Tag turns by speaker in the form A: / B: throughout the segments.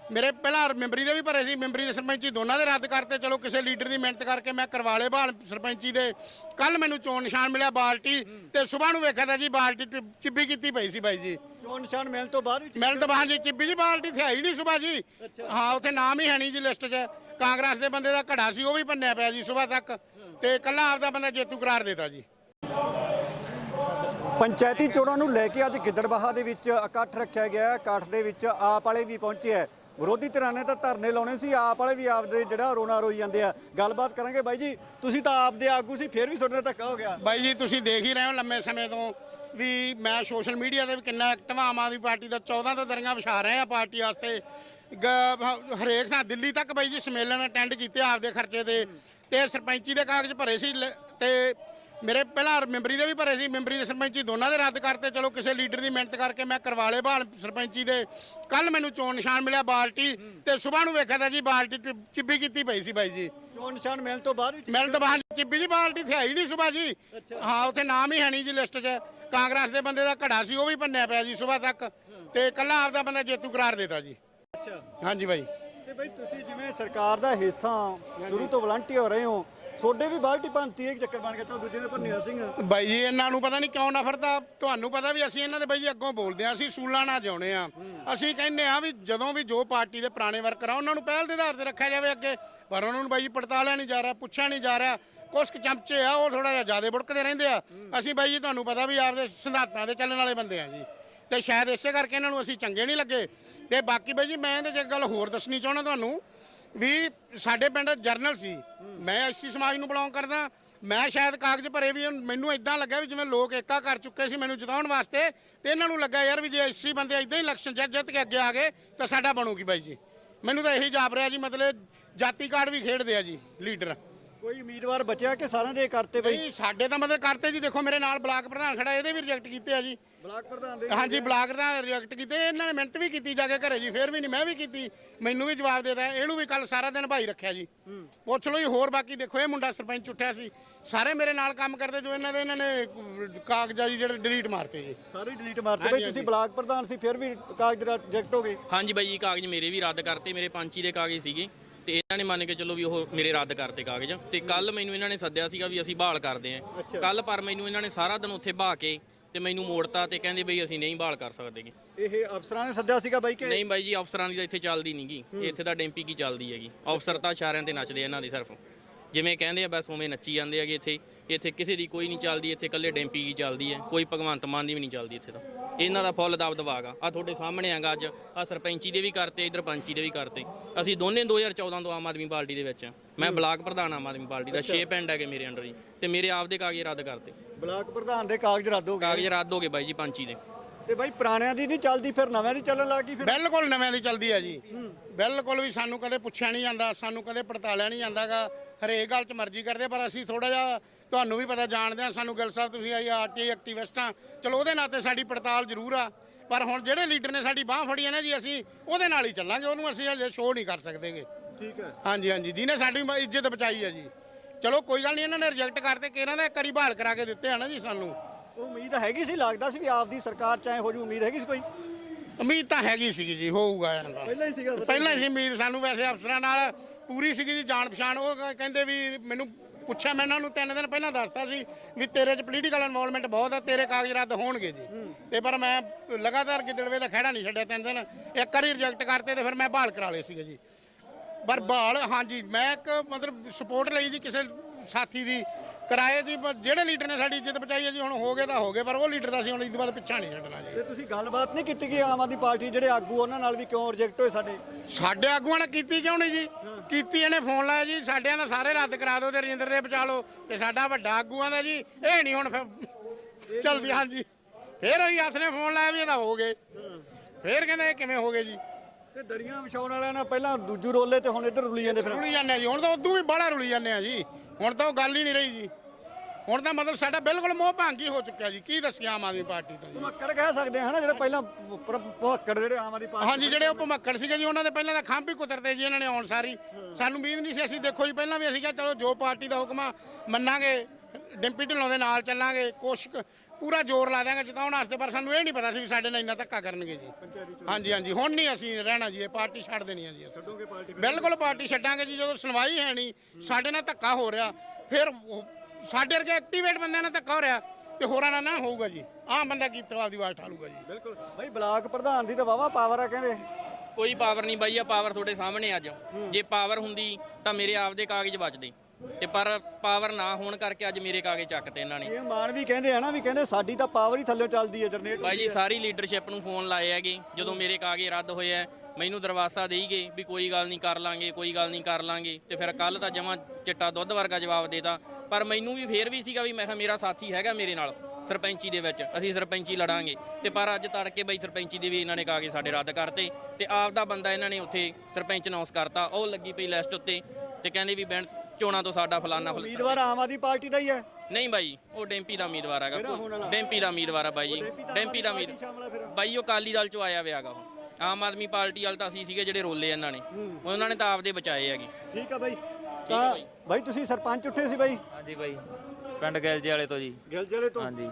A: ਮੇਰੇ ਪਹਿਲਾਂ ਮੈਂਬਰੀ ਦੇ ਵੀ ਭਰੇ ਸੀ, ਮੈਂਬਰੀ ਦੇ ਸਰਪੰਚੀ ਦੋਨਾਂ ਦੇ ਰੱਦ ਕਰਤੇ। ਚਲੋ ਕਿਸੇ ਲੀਡਰ ਦੀ ਮਿਹਨਤ ਕਰਕੇ ਮੈਂ ਕਰਵਾ ਲਏ ਬਹਾਲ ਸਰਪੰਚੀ ਦੇ। ਕੱਲ ਮੈਨੂੰ ਚੋਣ ਨਿਸ਼ਾਨ ਮਿਲਿਆ ਬਾਲਟੀ, ਤੇ ਸਵੇਰ ਨੂੰ ਵੇਖਿਆ ਤਾਂ ਜੀ ਬਾਲਟੀ ਚਿੱਬੀ ਕੀਤੀ ਪਈ ਸੀ ਬਾਈ ਜੀ।
B: ਚੋਣ ਨਿਸ਼ਾਨ ਮਿਲਣ ਤੋਂ ਬਾਅਦ
A: ਜੀ ਚਿੱਬੀ ਜੀ ਬਾਲਟੀ ਤੇ ਆਈ ਨਹੀਂ ਸਵੇਰ ਜੀ। ਹਾਂ ਉੱਥੇ ਨਾਮ ਹੀ ਹੈ ਨਹੀਂ ਜੀ ਲਿਸਟ 'ਚ। ਕਾਂਗਰਸ ਦੇ ਬੰਦੇ ਦਾ ਘੜਾ ਸੀ, ਉਹ ਵੀ ਭੰਨਿਆ ਪਿਆ ਜੀ ਸਵੇਰ ਤੱਕ, ਤੇ ਕੱਲਾ ਆਪਦਾ ਬੰਦਾ ਜੇਤੂ ਕਰਾਰ ਦੇਤਾ ਜੀ।
B: ਪੰਚਾਇਤੀ ਚੋਣਾਂ ਨੂੰ ਲੈ ਕੇ ਅੱਜ ਗਿੱਦੜਬਾਹਾ ਦੇ ਵਿੱਚ ਇਕੱਠ ਰੱਖਿਆ ਗਿਆ। ਇਕੱਠ ਦੇ ਵਿੱਚ ਆਪ ਵਾਲੇ ਵੀ ਪਹੁੰਚੇ ਹੈ। ਵਿਰੋਧੀ ਧਿਰਾਂ ਨੇ ਤਾਂ ਧਰਨੇ ਲਾਉਣੇ ਸੀ, ਆਪ ਵਾਲੇ ਵੀ ਆਪਦੇ ਜਿਹੜਾ ਰੋਣਾ ਰੋਈ ਜਾਂਦੇ ਆ। ਗੱਲਬਾਤ ਕਰਾਂਗੇ ਬਾਈ ਜੀ, ਤੁਸੀਂ ਤਾਂ ਆਪਦੇ ਆਗੂ ਸੀ, ਫਿਰ ਵੀ ਤੁਹਾਡੇ ਨਾਲ ਧੱਕਾ ਹੋ ਗਿਆ।
A: ਬਾਈ ਜੀ ਤੁਸੀਂ ਦੇਖ ਹੀ ਰਹੇ ਹੋ ਲੰਮੇ ਸਮੇਂ ਤੋਂ ਵੀ ਮੈਂ ਸੋਸ਼ਲ ਮੀਡੀਆ ਤੇ ਵੀ ਕਿੰਨਾ ਐਕਟਿਵ ਆਮ ਆਦਮੀ ਪਾਰਟੀ ਦਾ। 14 ਤੋਂ ਦਰੀਆਂ ਵਿਛਾ ਰਹੇ ਆ ਪਾਰਟੀ ਵਾਸਤੇ। ਹਰੇਕ ਥਾਂ ਦਿੱਲੀ ਤੱਕ ਬਾਈ ਜੀ ਸੰਮੇਲਨ ਅਟੈਂਡ ਕੀਤੇ ਆਪਦੇ ਖਰਚੇ ਤੇ ਸਰਪੰਚੀ ਦੇ ਕਾਗਜ਼ ਭਰੇ ਸੀ, ਤੇ ਮੇਰੇ ਪਹਿਲਾਂ ਮੈਂਬਰੀ ਦੇ ਵੀ ਭਰੇ ਸੀ, ਮੈਂਬਰੀ ਦੇ ਸਰਪੰਚੀ ਦੋਨਾਂ ਦੇ ਰੱਦ ਕਰਤੇ। ਚਲੋ ਕਿਸੇ ਲੀਡਰ ਦੀ ਮਿਹਨਤ ਕਰਕੇ ਮੈਂ ਕਰਵਾ ਲਏ ਬਹਾਲ ਸਰਪੰਚੀ ਦੇ। ਕੱਲ ਮੈਨੂੰ ਚੋਣ ਨਿਸ਼ਾਨ ਮਿਲਿਆ ਬਾਲਟੀ, ਤੇ ਸਵੇਰ ਨੂੰ ਵੇਖਿਆ ਤਾਂ ਜੀ ਬਾਲਟੀ ਚਿੱਬੀ ਕੀਤੀ ਪਈ ਸੀ ਬਾਈ ਜੀ।
B: ਚੋਣ ਨਿਸ਼ਾਨ ਮਿਲਣ ਤੋਂ ਬਾਅਦ
A: ਚਿੱਬੀ ਜੀ ਬਾਲਟੀ ਤੇ ਆਈ ਨਹੀਂ ਸਵੇਰ ਜੀ। ਹਾਂ ਉੱਥੇ ਨਾਮ ਹੀ ਹੈ ਨਹੀਂ ਜੀ ਲਿਸਟ 'ਚ। ਕਾਂਗਰਸ ਦੇ ਬੰਦੇ ਦਾ ਘੜਾ ਸੀ, ਉਹ ਵੀ ਭੰਨਿਆ ਪਿਆ ਜੀ ਸਵੇਰ ਤੱਕ, ਤੇ ਕੱਲਾ ਆਪਦਾ ਬੰਦਾ ਜੇਤੂ ਕਰਾਰ ਦੇਤਾ ਜੀ। ਹਾਂਜੀ ਬਾਈ।
B: ਤੇ ਬਾਈ ਤੁਸੀਂ ਜਿਵੇਂ ਸਰਕਾਰ ਦਾ ਹਿੱਸਾ ਸ਼ੁਰੂ ਤੋਂ ਵਲੰਟੀਅਰ ਹੋ ਰਹੇ ਹੋ, ਤੁਹਾਡੇ ਵੀ ਬਾਲਟੀ ਭੰਨਤੀ ਇੱਕ ਚੱਕਰ ਬਣ ਗਿਆ, ਤਾਂ ਦੂਜੇ ਨੇ ਭੰਨਿਆ ਸਿੰਘ।
A: ਬਾਈ ਜੀ ਇਹਨਾਂ ਨੂੰ ਪਤਾ ਨਹੀਂ ਕਿਉਂ ਨਫ਼ਰਤ। ਤੁਹਾਨੂੰ ਪਤਾ ਵੀ ਅਸੀਂ ਇਹਨਾਂ ਦੇ ਬਾਈ ਜੀ ਅੱਗੋਂ ਬੋਲਦੇ ਆ, ਅਸੀਂ ਸੂਲਾਂ ਨਾਲ ਜਿਉਣੇ ਆ। ਅਸੀਂ ਕਹਿੰਦੇ ਆ ਵੀ ਜਦੋਂ ਵੀ ਜੋ ਪਾਰਟੀ ਦੇ ਪੁਰਾਣੇ ਵਰਕਰ ਆ ਉਹਨਾਂ ਨੂੰ ਪਹਿਲ ਦੇ ਆਧਾਰ ਤੇ ਰੱਖਿਆ ਜਾਵੇ ਅੱਗੇ, ਪਰ ਉਹਨਾਂ ਨੂੰ ਬਾਈ ਜੀ ਪੜਤਾਲਿਆ ਨਹੀਂ ਜਾ ਰਿਹਾ, ਪੁੱਛਿਆ ਨਹੀਂ ਜਾ ਰਿਹਾ। ਕੁਛ ਚਮਚੇ ਆ ਉਹ ਥੋੜਾ ਜਿਹਾ ਜ਼ਿਆਦਾ ਬੁੜਕਦੇ ਰਹਿੰਦੇ ਆ। ਅਸੀਂ ਬਾਈ ਜੀ ਤੁਹਾਨੂੰ ਪਤਾ ਵੀ ਆਪਦੇ ਸਿਧਾਂਤਾਂ ਦੇ ਚੱਲਣ ਵਾਲੇ ਬੰਦੇ ਆ ਜੀ, ਤੇ ਸ਼ਾਇਦ ਇਸੇ ਕਰਕੇ ਇਹਨਾਂ ਨੂੰ ਅਸੀਂ ਚੰਗੇ ਨਹੀਂ ਲੱਗੇ। ਤੇ ਬਾਕੀ ਬਾਈ ਜੀ ਮੈਂ ਇਹਦੇ 'ਚ ਇੱਕ ਗੱਲ ਹੋਰ ਦੱਸਣੀ ਚਾਹੁੰਦਾ ਤੁਹਾਨੂੰ ਵੀ ਸਾਡੇ ਪਿੰਡ ਜਰਨਲ ਸੀ, ਮੈਂ ਐਸਸੀ ਸਮਾਜ ਨੂੰ ਬਿਲੋਂਗ ਕਰਦਾ। ਮੈਂ ਸ਼ਾਇਦ ਕਾਗਜ਼ ਭਰੇ ਵੀ ਮੈਨੂੰ ਇਦਾਂ ਲੱਗਾ ਵੀ ਜਿਵੇਂ ਲੋਕ ਏਕਾ ਕਰ ਚੁੱਕੇ ਸੀ ਮੈਨੂੰ ਜਿਤਾਉਣ ਵਾਸਤੇ, ਤੇ ਇਹਨਾਂ ਨੂੰ ਲੱਗਾ ਯਾਰ ਵੀ ਜੇ ਐਸਸੀ ਬੰਦੇ ਇਦਾਂ ਹੀ ਇਲੈਕਸ਼ਨ ਜਿੱਤ ਕੇ ਅੱਗੇ ਆ ਗਏ ਤਾਂ ਸਾਡਾ ਬਣੂਗੀ ਬਾਈ ਜੀ। ਮੈਨੂੰ ਤਾਂ ਇਹੀ ਜਾਪ ਰਿਹਾ ਜੀ, ਮਤਲਬ ਜਾਤੀ ਕਾਰਡ ਵੀ ਖੇਡਦੇ ਆ ਜੀ ਲੀਡਰ।
B: ਕੋਈ ਉਮੀਦਵਾਰ ਬਚਿਆ ਕਿ ਸਾਰਿਆਂ ਦੇ ਕਰਤੇ ਬਈ?
A: ਨਹੀਂ ਸਾਡੇ ਤਾਂ ਮਤਲਬ ਕਰਤੇ ਜੀ। ਦੇਖੋ ਮੇਰੇ ਨਾਲ ਬਲਾਕ ਪ੍ਰਧਾਨ ਖੜਾ, ਇਹਦੇ ਵੀ ਰਿਜੈਕਟ ਕੀਤੇ ਆ ਜੀ।
B: ਬਲਾਕ ਪ੍ਰਧਾਨ ਦੇ?
A: ਹਾਂਜੀ ਬਲਾਕ ਪ੍ਰਧਾਨ ਰਿਜੈਕਟ ਕੀਤੇ। ਇਹਨਾਂ ਨੇ ਮਿਹਨਤ ਵੀ ਕੀਤੀ ਜਾ ਕੇ ਘਰੇ ਜੀ, ਫਿਰ ਵੀ ਨਹੀਂ। ਮੈਂ ਵੀ ਕੀਤੀ, ਮੈਨੂੰ ਵੀ ਜਵਾਬ ਦੇਤਾ। ਇਹਨੂੰ ਵੀ ਕੱਲ ਸਾਰਾ ਦਿਨ ਭਾਈ ਰੱਖਿਆ ਜੀ। ਪੁੱਛ ਲਓ ਜੀ ਹੋਰ। ਬਾਕੀ ਦੇਖੋ ਇਹ ਮੁੰਡਾ ਸਰਪੰਚ ਉੱਠਿਆ ਸੀ, ਸਾਰੇ ਮੇਰੇ ਨਾਲ ਕੰਮ ਕਰਦੇ ਜੋ ਇਹਨਾਂ ਨੇ ਕਾਗਜ਼ਾਂ ਜੀ ਜਿਹੜੇ ਡਿਲੀਟ ਮਾਰਤੇ ਜੀ।
B: ਸਾਰੇ ਡਿਲੀਟ ਮਾਰਤੇ ਬਈ। ਤੁਸੀਂ ਬਲਾਕ ਪ੍ਰਧਾਨ ਸੀ, ਫਿਰ ਵੀ ਕਾਗਜ਼ ਰਿਜੈਕਟ ਹੋ ਗਏ?
C: ਹਾਂਜੀ ਬਾਈ ਜੀ, ਕਾਗਜ਼ ਮੇਰੇ ਵੀ ਰੱਦ ਕਰਤੇ। ਮੇਰੇ ਪੰਚੀ ਦੇ ਕਾਗਜ਼ ਸੀਗੇ, ਤੇ ਇਹਨਾਂ ਨੇ ਮੰਨ ਕੇ ਚਲੋ ਵੀ ਉਹ ਮੇਰੇ ਰੱਦ ਕਰਤੇ ਕਾਗਜ਼। ਤੇ ਕੱਲ ਮੈਨੂੰ ਇਹਨਾਂ ਨੇ ਸੱਦਿਆ ਸੀਗਾ ਵੀ ਅਸੀਂ ਬਹਾਲ ਕਰਦੇ ਆਂ ਕੱਲ, ਪਰ ਮੈਨੂੰ ਇਹਨਾਂ ਨੇ ਸਾਰਾ ਦਿਨ ਉੱਥੇ ਬਹਾ ਕੇ ਤੇ ਮੈਨੂੰ ਮੋੜਤਾ ਤੇ ਕਹਿੰਦੇ ਬਈ ਅਸੀਂ ਨਹੀਂ ਬਹਾਲ ਕਰ ਸਕਦੇਗੇ।
B: ਇਹ ਅਫਸਰਾਂ ਨੇ ਸੱਦਿਆ ਸੀਗਾ ਬਾਈ ਕਿ
C: ਨਹੀਂ ਬਾਈ ਜੀ, ਅਫਸਰਾਂ ਦੀ ਤਾਂ ਇੱਥੇ ਚੱਲਦੀ ਨਹੀਂਗੀ, ਇੱਥੇ ਤਾਂ ਡੈਂਪੀ ਕੀ ਚੱਲਦੀ ਹੈਗੀ। ਅਫਸਰ ਤਾਂ ਇਸ਼ਾਰਿਆਂ ਤੇ ਨੱਚਦੇ ਇਹਨਾਂ ਦੀ, ਸਿਰਫ ਜਿਵੇਂ ਕਹਿੰਦੇ ਆ ਬਸ ਉਵੇਂ ਨੱਚੀ ਜਾਂਦੇ ਹੈਗੇ। ਇੱਥੇ ਕਿਸੇ ਦੀ ਕੋਈ ਨਹੀਂ ਚੱਲਦੀ, ਇੱਥੇ ਇਕੱਲੇ ਡੈਂਪੀ ਕੀ ਚੱਲਦੀ ਹੈ, ਕੋਈ ਭਗਵੰਤ ਮਾਨ ਦੀ ਵੀ ਨਹੀਂ ਚੱਲਦੀ ਇੱਥੇ ਤਾਂ। ਇਹਨਾਂ ਦਾ ਫੁੱਲ ਦਬਦਬਾ ਆ ਤੁਹਾਡੇ ਸਾਹਮਣੇ ਆਗਾ। ਅੱਜ ਆ ਸਰਪੰਚੀ ਦੇ ਵੀ ਕਰਤੇ, ਇਧਰ ਪੰਚੀ ਦੇ ਵੀ ਕਰਤੇ। ਅਸੀਂ ਦੋਨੇ 2014 ਤੋਂ ਆਮ ਆਦਮੀ ਪਾਰਟੀ ਦੇ ਵਿੱਚ। ਮੈਂ ਬਲਾਕ ਪ੍ਰਧਾਨ ਆਮ ਆਦਮੀ ਪਾਰਟੀ ਦਾ। 6 ਪਿੰਡ ਹੈਗੇ ਮੇਰੇ ਅੰਡਰ ਜੀ, ਤੇ ਮੇਰੇ ਆਪਦੇ ਕਾਗਜ਼ ਰੱਦ ਕਰਤੇ।
B: ਬਲਾਕ ਪ੍ਰਧਾਨ ਦੇ ਕਾਗਜ਼ ਰੱਦ ਹੋ ਗਏ?
C: ਕਾਗਜ਼ ਰੱਦ ਹੋ ਗਏ ਬਾਈ ਜੀ ਪੰਚੀ ਦੇ।
B: ਤੇ ਬਾਈ ਪੁਰਾਣਿਆਂ ਦੀ ਨਹੀਂ ਚੱਲਦੀ, ਫਿਰ ਨਵਿਆਂ ਦੀ ਚੱਲਣ ਲੱਗ ਗਈ? ਫਿਰ
A: ਬਿਲਕੁਲ ਨਵਿਆਂ ਦੀ ਚੱਲਦੀ ਆ ਜੀ। ਬਿਲਕੁਲ ਵੀ ਸਾਨੂੰ ਕਦੇ ਪੁੱਛਿਆ ਨਹੀਂ ਜਾਂਦਾ, ਸਾਨੂੰ ਕਦੇ ਪੜਤਾਲਿਆ ਨਹੀਂ ਜਾਂਦਾਗਾ। ਹਰੇਕ ਗੱਲ 'ਚ ਮਰਜ਼ੀ ਕਰਦੇ, ਪਰ ਅਸੀਂ ਥੋੜਾ ਜਿਹਾ ਤੁਹਾਨੂੰ ਵੀ ਪਤਾ ਜਾਣਦੇ ਆ। ਸਾਨੂੰ ਗਿੱਲ ਸਾਹਿਬ ਤੁਸੀਂ ਆਈ ਆਰਟੀ ਐਕਟਿਵਿਸਟ ਆ, ਚਲੋ ਉਹਦੇ ਨਾਤੇ ਸਾਡੀ ਪੜਤਾਲ ਜ਼ਰੂਰ ਆ। ਪਰ ਹੁਣ ਜਿਹੜੇ ਲੀਡਰ ਨੇ ਸਾਡੀ ਬਾਂਹ ਫੜੀ ਹੈ ਨਾ ਜੀ, ਅਸੀਂ ਉਹਦੇ ਨਾਲ ਹੀ ਚੱਲਾਂਗੇ। ਉਹਨੂੰ ਅਸੀਂ ਹਜੇ ਸ਼ੋਅ ਨਹੀਂ ਕਰ ਸਕਦੇਗੇ।
B: ਠੀਕ ਹੈ।
A: ਹਾਂਜੀ ਹਾਂਜੀ, ਜਿਹਨੇ ਸਾਡੀ ਇੱਜ਼ਤ ਬਚਾਈ ਹੈ ਜੀ। ਚਲੋ ਕੋਈ ਗੱਲ ਨਹੀਂ, ਇਹਨਾਂ ਨੇ ਰਿਜੈਕਟ ਕਰਤੇ ਕਿ ਇਹਨਾਂ ਦਾ ਇੱਕ ਵਾਰੀ ਬਹਾਲ ਕਰਾ ਕੇ ਦਿੱਤੇ ਆ ਨਾ ਜੀ ਸਾਨੂੰ।
B: ਉਹ ਉਮੀਦ ਹੈਗੀ ਸੀ, ਲੱਗਦਾ ਸੀ ਵੀ ਆਪਦੀ ਸਰਕਾਰ ਚਾਹੇ ਹੋ ਜੂ, ਉਮੀਦ ਹੈਗੀ ਸੀ ਕੋਈ?
A: ਉਮੀਦ ਤਾਂ ਹੈਗੀ ਸੀਗੀ ਜੀ, ਹੋਊਗਾ।
B: ਪਹਿਲਾਂ ਹੀ ਸੀਗਾ?
A: ਪਹਿਲਾਂ ਹੀ ਸੀ ਉਮੀਦ ਸਾਨੂੰ। ਵੈਸੇ ਅਫਸਰਾਂ ਨਾਲ ਪੂਰੀ ਸੀਗੀ ਜੀ ਜਾਣ ਪਛਾਣ। ਉਹ ਕਹਿੰਦੇ ਵੀ ਮੈਨੂੰ ਪੁੱਛਿਆ, ਮੈਂ ਇਹਨਾਂ ਨੂੰ 3 ਦਿਨ ਪਹਿਲਾਂ ਦੱਸਤਾ ਸੀ ਵੀ ਤੇਰੇ 'ਚ ਪੋਲੀਟੀਕਲ ਇਨਵੋਲਵਮੈਂਟ ਬਹੁਤ ਆ, ਤੇਰੇ ਕਾਗਜ਼ ਰੱਦ ਹੋਣਗੇ ਜੀ। ਤੇ ਪਰ ਮੈਂ ਲਗਾਤਾਰ ਗਿੱਦੜਵੇ ਦਾ ਖਹਿੜਾ ਨਹੀਂ ਛੱਡਿਆ 3 ਦਿਨ। ਇੱਕ ਵਾਰੀ ਰਿਜੈਕਟ ਕਰਤੇ ਤੇ ਫਿਰ ਮੈਂ ਬਹਾਲ ਕਰਾ ਲਏ ਸੀਗੇ ਜੀ। ਪਰ ਬਹਾਲ ਹਾਂਜੀ, ਮੈਂ ਇੱਕ ਮਤਲਬ ਸਪੋਰਟ ਲਈ ਜੀ ਕਿਸੇ ਸਾਥੀ ਦੀ ਕਿਰਾਏ ਦੀ। ਪਰ ਜਿਹੜੇ ਲੀਡਰ ਨੇ ਸਾਡੀ ਇੱਜ਼ਤ ਬਚਾਈ ਹੈ ਜੀ, ਹੁਣ ਹੋ ਗਏ ਤਾਂ ਹੋ ਗਏ, ਪਰ ਉਹ ਲੀਡਰ ਦਾ ਅਸੀਂ ਹੁਣ ਇਸ ਤੋਂ ਬਾਅਦ ਪਿੱਛਾ ਨਹੀਂ ਛੱਡਣਾ ਜੀ।
B: ਤੇ ਤੁਸੀਂ ਗੱਲਬਾਤ ਨਹੀਂ ਕੀਤੀ ਕਿ ਆਮ ਆਦਮੀ ਪਾਰਟੀ ਜਿਹੜੇ ਆਗੂ ਉਹਨਾਂ ਨਾਲ ਵੀ ਕਿਉਂ ਰਿਜੈਕਟ ਹੋਏ
A: ਸਾਡੇ ਆਗੂਆਂ ਨੇ ਕੀਤੀ ਕਿਉਂ ਨਹੀਂ ਜੀ? ਕੀਤੀ। ਇਹਨੇ ਫੋਨ ਲਾਇਆ ਜੀ ਸਾਡਿਆਂ ਦਾ ਸਾਰੇ ਰੱਦ ਕਰਾ ਦਿਓ ਤੇ ਰਜਿੰਦਰ ਦੇ ਬਚਾ ਲਓ। ਤੇ ਸਾਡਾ ਵੱਡਾ ਆਗੂਆਂ ਦਾ ਜੀ ਇਹ ਨਹੀਂ ਹੁਣ ਚਲਦੀ। ਹਾਂਜੀ ਫਿਰ ਉਹੀ ਹੱਥ ਨੇ ਫੋਨ ਲਾਇਆ ਵੀ ਇਹਦਾ ਹੋ ਗਏ। ਫਿਰ ਕਹਿੰਦੇ ਇਹ ਕਿਵੇਂ ਹੋ ਗਏ ਜੀ?
B: ਤੇ ਦਰੀਆਂ ਵਿਛਾਉਣ ਵਾਲਿਆਂ ਨਾਲ ਪਹਿਲਾਂ ਦੂਜੂ ਰੋਲੇ ਤੇ ਹੁਣ ਇੱਧਰ ਰੁਲੀ ਜਾਂਦੇ। ਫਿਰ
A: ਰੁਲੀ ਜਾਂਦੇ ਆ ਜੀ, ਹੁਣ ਤਾਂ ਉਦੋਂ ਵੀ ਬਾਹਲਾ ਰੁਲੀ ਜਾਂਦੇ ਆ ਜੀ। ਹੁਣ ਤਾਂ ਉਹ ਗੱਲ ਹੀ ਨਹੀਂ ਰਹੀ ਜੀ। ਹੁਣ ਤਾਂ ਮਤਲਬ ਸਾਡਾ ਬਿਲਕੁਲ ਮੋਹ ਭੰਗ ਹੀ ਹੋ ਚੁੱਕਿਆ ਜੀ। ਕੀ ਦੱਸਿਆ ਆਮ ਆਦਮੀ ਪਾਰਟੀ ਤੋਂ ਜੀ?
B: ਭਮੱਕੜ ਕਹਿ ਸਕਦੇ ਹਾਂ ਨਾ, ਜਿਹੜੇ ਪਹਿਲਾਂ ਭਮੱਕੜ ਜਿਹੜੇ ਆਮ ਆਦਮੀ ਪਾਰਟੀ।
A: ਹਾਂਜੀ ਜਿਹੜੇ ਉਹ ਭਮੱਕੜ ਸੀਗੇ ਜੀ, ਉਹਨਾਂ ਦੇ ਪਹਿਲਾਂ ਤਾਂ ਖੰਭ ਹੀ ਕੁਤਰਦੇ ਜੀ ਇਹਨਾਂ ਨੇ ਆਉਣ ਸਾਰੀ। ਸਾਨੂੰ ਉਮੀਦ ਨਹੀਂ ਸੀ। ਅਸੀਂ ਦੇਖੋ ਜੀ ਪਹਿਲਾਂ ਵੀ ਅਸੀਂ ਕਿਹਾ ਚਲੋ ਜੋ ਪਾਰਟੀ ਦਾ ਹੁਕਮ ਆ ਮੰਨਾਂਗੇ, ਡਿੰਪੀ ਢਿੱਲੋਂ ਦੇ ਨਾਲ ਚੱਲਾਂਗੇ। ਕੋਸ਼ਿਸ਼ ਪੂਰਾ ਜ਼ੋਰ ਲਾ ਦਿਆਂਗੇ ਜਿਤਾਉਣ ਵਾਸਤੇ, ਪਰ ਸਾਨੂੰ ਇਹ ਨਹੀਂ ਪਤਾ ਸੀ ਵੀ ਸਾਡੇ ਨਾਲ ਇੰਨਾ ਧੱਕਾ ਕਰਨਗੇ ਜੀ। ਹਾਂਜੀ ਹਾਂਜੀ, ਹੁਣ ਨਹੀਂ ਅਸੀਂ ਰਹਿਣਾ ਜੀ, ਇਹ ਪਾਰਟੀ ਛੱਡ ਦੇਣੀ ਹੈ ਜੀ।
B: ਛੱਡੋਗੇ ਪਾਰਟੀ?
A: ਬਿਲਕੁਲ ਪਾਰਟੀ ਛੱਡਾਂਗੇ ਜੀ, ਜਦੋਂ ਸੁਣਵਾਈ ਹੈ ਨਹੀਂ, ਸਾਡੇ ਨਾਲ ਧੱਕਾ ਹੋ ਰਿਹਾ, ਫਿਰ ਸਾਡੇ ਵਰਗੇ ਐਕਟੀਵੇਟ ਬੰਦਿਆਂ ਨਾਲ ਧੱਕਾ ਹੋ ਰਿਹਾ ਤੇ ਹੋਰਾਂ ਨਾਲ ਨਾ ਹੋਊਗਾ ਜੀ। ਆਮ ਬੰਦਾ ਕੀ ਤਵਾਬ ਦੀ ਆਵਾਜ਼ ਠਾਲੂਗਾ ਜੀ।
B: ਬਿਲਕੁਲ ਬਾਈ, ਬਲਾਕ ਪ੍ਰਧਾਨ ਦੀ ਤਾਂ ਵਾਵਾ ਪਾਵਰ ਆ ਕਹਿੰਦੇ।
C: ਕੋਈ ਪਾਵਰ ਨਹੀਂ ਬਾਈ, ਆ ਪਾਵਰ ਤੁਹਾਡੇ ਸਾਹਮਣੇ ਅੱਜ। ਜੇ ਪਾਵਰ ਹੁੰਦੀ ਤਾਂ ਮੇਰੇ ਆਪਦੇ ਕਾਗਜ਼ ਬਚਦੇ, ਤੇ ਪਰ ਪਾਵਰ ਨਾ ਹੋਣ ਕਰਕੇ ਅੱਜ ਮੇਰੇ ਕਾਗਜ਼ ਚੱਕਤੇ ਇਹਨਾਂ ਨੇ।
B: ਇਹ ਮਾਨ ਵੀ ਕਹਿੰਦੇ ਆ ਨਾ, ਵੀ ਕਹਿੰਦੇ ਸਾਡੀ ਤਾਂ ਪਾਵਰ ਹੀ ਥੱਲੇ ਚੱਲਦੀ ਹੈ, ਜਨਰੇਟ
C: ਬਾਈ ਜੀ ਸਾਰੀ ਲੀਡਰਸ਼ਿਪ ਨੂੰ ਫੋਨ ਲਾਏ ਹੈਗੇ, ਜਦੋਂ ਮੇਰੇ ਕਾਗਜ਼ ਰੱਦ ਹੋਏ ਆ ਮੈਨੂੰ ਦਰਵਾਸਾ ਦੇਈ ਗਏ ਵੀ ਕੋਈ ਗੱਲ ਨਹੀਂ ਕਰ ਲਾਂਗੇ, ਕੋਈ ਗੱਲ ਨਹੀਂ ਕਰ ਲਾਂਗੇ, ਤੇ ਫਿਰ ਕੱਲ ਤਾਂ ਜਮਾਂ ਚਿੱਟਾ ਦੁੱਧ ਵਰਗਾ ਜਵਾਬ ਦੇਤਾ। ਪਰ ਮੈਨੂੰ ਵੀ ਫੇਰ ਵੀ ਸੀਗਾ ਵੀ ਮੈਂ ਕਿਹਾ ਮੇਰਾ ਸਾਥੀ ਹੈਗਾ ਮੇਰੇ ਨਾਲ ਸਰਪੰਚੀ ਦੇ ਵਿੱਚ, ਅਸੀਂ ਸਰਪੰਚੀ ਲੜਾਂਗੇ। ਤੇ ਪਰ ਅੱਜ ਤੜਕੇ ਬਈ ਸਰਪੰਚੀ ਦੇ ਵੀ ਇਹਨਾਂ ਨੇ ਕਾਗਜ਼ ਸਾਡੇ ਰੱਦ ਕਰਤੇ, ਤੇ ਆਪ ਦਾ ਬੰਦਾ ਇਹਨਾਂ ਨੇ ਉੱਥੇ ਸਰਪੰਚ ਅਨਾਉਂਸ ਕਰਤਾ, ਉਹ ਲੱਗੀ ਪਈ ਲਿਸਟ ਉੱਤੇ, ਤੇ ਕਹਿੰਦੇ ਵੀ ਬੈਂਡ ਚੋਣਾਂ ਤੋਂ ਸਾਡਾ ਫਲਾਨਾ
B: ਉਮੀਦਵਾਰ ਆਮ ਆਦਮੀ ਪਾਰਟੀ ਦਾ ਹੀ ਹੈ।
C: ਨਹੀਂ ਬਾਈ, ਉਹ ਡੈਂਪੀ ਦਾ ਉਮੀਦਵਾਰ ਹੈਗਾ, ਡੈਂਪੀ ਦਾ ਉਮੀਦਵਾਰ ਆ ਬਾਈ ਜੀ, ਡੈਂਪੀ ਦਾ ਉਮੀਦਵਾਰ ਬਾਈ, ਉਹ ਅਕਾਲੀ ਦਲ ਚੋਂ ਆਇਆ ਵਿਆਗਾ। ਉਹ ਆਮ ਆਦਮੀ ਪਾਰਟੀ ਵਾਲ ਤਾਂ ਅਸੀਂ ਸੀਗੇ ਜਿਹੜੇ ਰੋਲੇ ਇਹਨਾਂ ਨੇ, ਉਹਨਾਂ ਨੇ ਤਾਂ ਆਪਦੇ ਬਚਾਏ ਹੈਗੇ।
B: ਠੀਕ ਆ ਬਾਈ, ਤਾਂ ਬਾਈ ਤੁਸੀਂ ਸਰਪੰਚ ਉੱਠੇ ਸੀ ਬਾਈ?
D: ਹਾਂਜੀ ਬਾਈ, ਪਿੰਡ ਗਿਲਜੇ ਵਾਲੇ ਤੋਂ ਜੀ।
B: ਗਿਲਜੇ ਤੋਂ?
D: ਹਾਂਜੀ।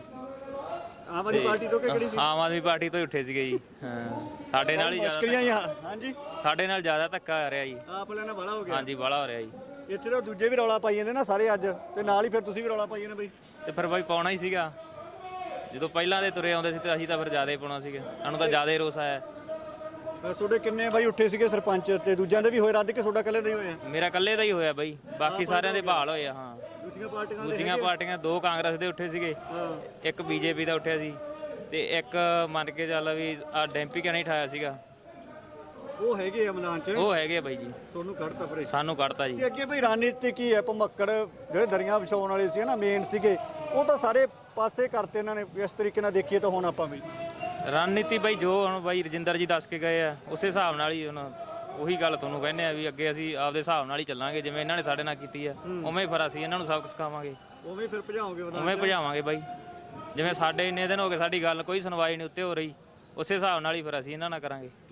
B: ਆਮ ਆਦਮੀ ਪਾਰਟੀ ਤੋਂ ਕਿਹੜੀ ਸੀ?
D: ਆਮ ਆਦਮੀ ਪਾਰਟੀ ਤੋਂ ਹੀ ਉੱਠੇ ਸੀਗੇ ਜੀ। ਹਾਂ, ਸਾਡੇ ਨਾਲ ਹੀ ਜ਼ਿਆਦਾ,
B: ਹਾਂਜੀ
D: ਸਾਡੇ ਨਾਲ ਜ਼ਿਆਦਾ ਧੱਕਾ ਆ ਰਿਹਾ ਜੀ।
B: ਆਪ ਵਾਲਿਆਂ ਨਾਲ ਬੜਾ ਹੋ ਗਿਆ।
D: ਹਾਂਜੀ, ਬਾਹਲਾ ਹੋ ਰਿਹਾ ਜੀ।
B: ਇੱਥੇ ਤਾਂ ਦੂਜੇ ਵੀ ਰੌਲਾ ਪਾਈ ਜਾਂਦੇ ਨਾ ਸਾਰੇ ਅੱਜ, ਤੇ ਨਾਲ ਹੀ ਫਿਰ ਤੁਸੀਂ ਵੀ ਰੌਲਾ ਪਾਈ ਜਾਂਦੇ ਬਾਈ।
D: ਤੇ ਫਿਰ ਬਾਈ ਪਾਉਣਾ ਹੀ ਸੀਗਾ, ਜਦੋਂ ਪਹਿਲਾਂ ਦੇ ਤੁਰੇ ਆਉਂਦੇ ਸੀ ਤੇ ਅਸੀਂ ਤਾਂ ਫਿਰ ਜ਼ਿਆਦਾ ਹੀ ਪਾਉਣਾ ਸੀਗਾ, ਸਾਨੂੰ ਤਾਂ ਜ਼ਿਆਦਾ ਹੀ ਰੋਸ ਆਇਆ।
B: ਤੁਹਾਡੇ ਕਿੰਨੇ ਬਾਈ ਉੱਠੇ ਸੀਗੇ ਸਰਪੰਚ, ਤੇ ਦੂਜਿਆਂ ਦੇ ਵੀ ਹੋਏ ਰੱਦ, ਕਿ ਤੁਹਾਡਾ ਇਕੱਲੇ ਦਾ ਹੀ ਹੋਇਆ?
D: ਮੇਰਾ ਇਕੱਲੇ ਦਾ ਹੀ ਹੋਇਆ ਬਾਈ, ਬਾਕੀ ਸਾਰਿਆਂ ਦੇ ਬਹਾਲ ਹੋਏ ਆ। ਹਾਂ, ਦੂਜੀਆਂ ਪਾਰਟੀਆਂ ਦੋ ਕਾਂਗਰਸ ਦੇ ਉੱਠੇ ਸੀਗੇ, ਇੱਕ ਬੀਜੇਪੀ ਦਾ ਉੱਠਿਆ ਸੀ, ਤੇ ਇੱਕ ਮੰਨ ਕੇ ਚੱਲ ਵੀ ਆ ਡੈਂਪੀ ਕਿਆ ਨਹੀਂ ਠਾਇਆ ਸੀਗਾ।
B: ਉਹ ਹੈਗੇ ਆ ਮੈਦਾਨ 'ਚ,
D: ਉਹ ਹੈਗੇ ਬਾਈ ਜੀ,
B: ਤੁਹਾਨੂੰ ਕੱਢਤਾ ਪਰੇ,
D: ਸਾਨੂੰ ਕੱਢਤਾ ਜੀ।
B: ਤੇ ਅੱਗੇ ਬਈ ਰਣਨੀਤੀ ਕੀ ਹੈ? ਭਮੱਕੜ ਜਿਹੜੇ ਦਰੀਆਂ ਵਿਛਾਉਣ ਵਾਲੇ ਸੀ ਨਾ, ਮੇਨ ਸੀਗੇ, ਉਹ ਤਾਂ ਸਾਰੇ ਪਾਸੇ ਕਰਤੇ ਇਹਨਾਂ ਨੇ। ਇਸ ਤਰੀਕੇ ਨਾਲ ਦੇਖੀਏ ਤਾਂ ਹੁਣ ਆਪਾਂ ਵੀ
D: ਰਣਨੀਤੀ ਬਾਈ ਜੋ ਹੁਣ ਬਾਈ ਰਜਿੰਦਰ ਜੀ ਦੱਸ ਕੇ ਗਏ ਆ, ਉਸੇ ਹਿਸਾਬ ਨਾਲ ਹੀ ਹੁਣ ਉਹੀ ਗੱਲ ਤੁਹਾਨੂੰ ਕਹਿੰਦੇ ਆ ਵੀ ਅੱਗੇ ਅਸੀਂ ਆਪਦੇ ਹਿਸਾਬ ਨਾਲ ਹੀ ਚੱਲਾਂਗੇ, ਜਿਵੇਂ ਇਹਨਾਂ ਨੇ ਸਾਡੇ ਨਾਲ ਕੀਤੀ ਆ ਉਵੇਂ ਫਿਰ ਅਸੀਂ ਇਹਨਾਂ ਨੂੰ ਸਬਕ ਸਿਖਾਵਾਂਗੇ,
B: ਉਵੇਂ ਫਿਰ ਭਜਾਓਗੇ,
D: ਉਵੇਂ ਭਜਾਵਾਂਗੇ ਬਾਈ। ਜਿਵੇਂ ਸਾਡੇ ਇੰਨੇ ਦਿਨ ਹੋ ਗਏ ਸਾਡੀ ਗੱਲ ਕੋਈ ਸੁਣਵਾਈ ਨਹੀਂ ਉੱਤੇ ਹੋ ਰਹੀ, ਉਸੇ ਹਿਸਾਬ ਨਾਲ ਹੀ ਫਿਰ ਅਸੀਂ ਇਹਨਾਂ ਨਾਲ ਕਰਾਂਗੇ।